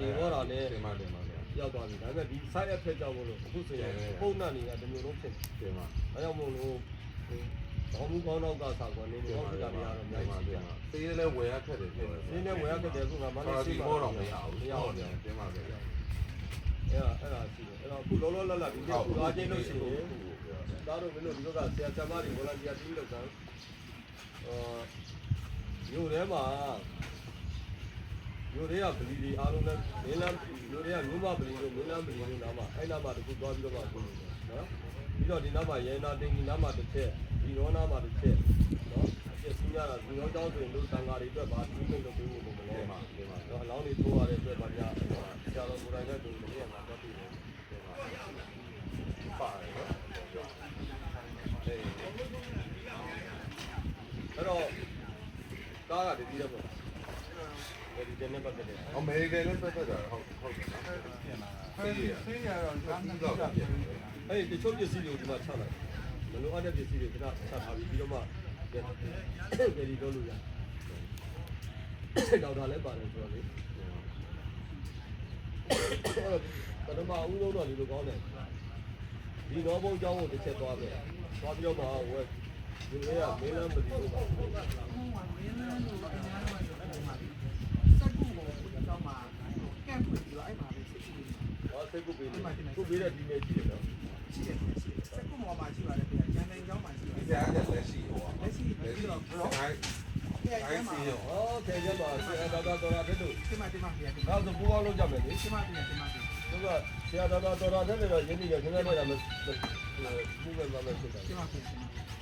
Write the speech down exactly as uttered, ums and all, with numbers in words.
ငြိမ်သွားတာနဲ့တင်ပါတင်ပါရောက်သွားပြီဒါပေမဲ့ဒီ side effect ကြောင့်မလို့အခုဆိုရင်ပုံနှံ့နေတာတမျိုးလုံးဖြစ်နေတယ်မှာအဲကြောင့်မို့လို့ဘောင်းမှုကောင်းတော့ကစားကွာနေနေတော့ဖြစ်တာတွေကတော့အများကြီးပြပါသေးတယ်လဲဝယ်ရခက်တယ်ပြောတယ်သေးတယ်ဝယ်ရခက်တယ်အခုကမလေးစီဘောတော့မရဘူးမရဘူးတင်ပါပဲအဲ့ဒါအဲ့ဒါရှိတယ်အဲ့တော့အခုလောလောလတ်လတ်ဒီနေ့အခုအားချင်းလို့ရှိရင်သားတို့မင်းတို့ဒီဘက်ကဆရာဆရာမတွေ volunteer တီးလောက်ကန်အာမြို့ထဲမှာမြို့တွေကဗလီတွေအားလုံးနဲ့မင်းလမ်းမြို့တွေကမြို့မဗလီတို့မင်းလမ်းဗလီတို့နားမှာအဲ့နားမှာတခုသွားပြီးတော့မှပြောနေတယ်နော်ပြီးတော့ဒီနားမှာရဲနာတင်ကြီးနားမှာတစ်ချက်ဒီရောနားမှာတစ်ချက်နော်အပြည့်စီးရတာဒီရောကျောင်းဆိုရင်တို့သံဃာတွေအတွက်ဗာဒီကိလုပ်ပေးဖို့မလို့ပါဒီမှာတော့အလောင်းတွေထိုးရတဲ့အတွက်ဗာပြဆရာတော်ကိုယ်တိုင်လည်းဒီမနေ့ကမှတော့ပြီးတယ်ဒီမှာပါတယ်နော်အဲ့တော့ကားကတည်တည်ရပေါ့ဒီတဲ့နဲ့ပတ်သက်တယ်အမေရိကန်လည်းပတ်သက်တာဟုတ်ဟုတ်တယ်နော်ဆေးရဆေးရတော့လမ်းကြီးကအဲ့ဒီတချို့ပစ္စည်းတွေကိုဒီမှာချလိုက်မလိုအပ်တဲ့ပစ္စည်းတွေကျွန်တော်ချထားပြီးပြီးတော့မှဒီတော့လို့ရဒေါက်တာလည်းပါတယ်ဆိုတော့လေပထမအဦးဆုံးတော့ဒီလိုကောင်းတယ်ဒီတော့ဘုံကျောင်းကိုတစ်ချက်သွားပဲသွားပြီးတော့မှဝယ်ဒီနေ့ကမင်းလမ်းမလီလို့ပါမင်းလမ်းလို့အများကြီးပါစက်ကူကိုတော့မှကန့်ဖွင့်ပြီးတော့အဲ့မှာပဲစစ်ကူဟောစက်ကူပေးတယ်ခုပေးတဲ့ဒီနေ့ရှိတယ်နော်ရှိတယ်ရှိတယ်စက်ကူပေါ်မှာရှိပါတယ်ဗျာကျန်တဲ့ကျောင်းမှာရှိပါတယ်ဒီအားလက်ရှိဟောလက်ရှိပြီးတော့ဘရော့အဲ့အဲ့မှာဟောခဲကြပါဆရာတော်တော်တော်တဲ့တို့ဒီမှာဒီမှာဗျာဒါဆိုပူပေါင်းလုပ်ကြမယ်လေဒီမှာဒီမှာဒီမှာသူကဆရာတော်တော်တော်တဲ့တော့ရင်းနေရခဏနေတာမပူပဲမမယ်ဖြစ်တာဒီမှာဒီမှာ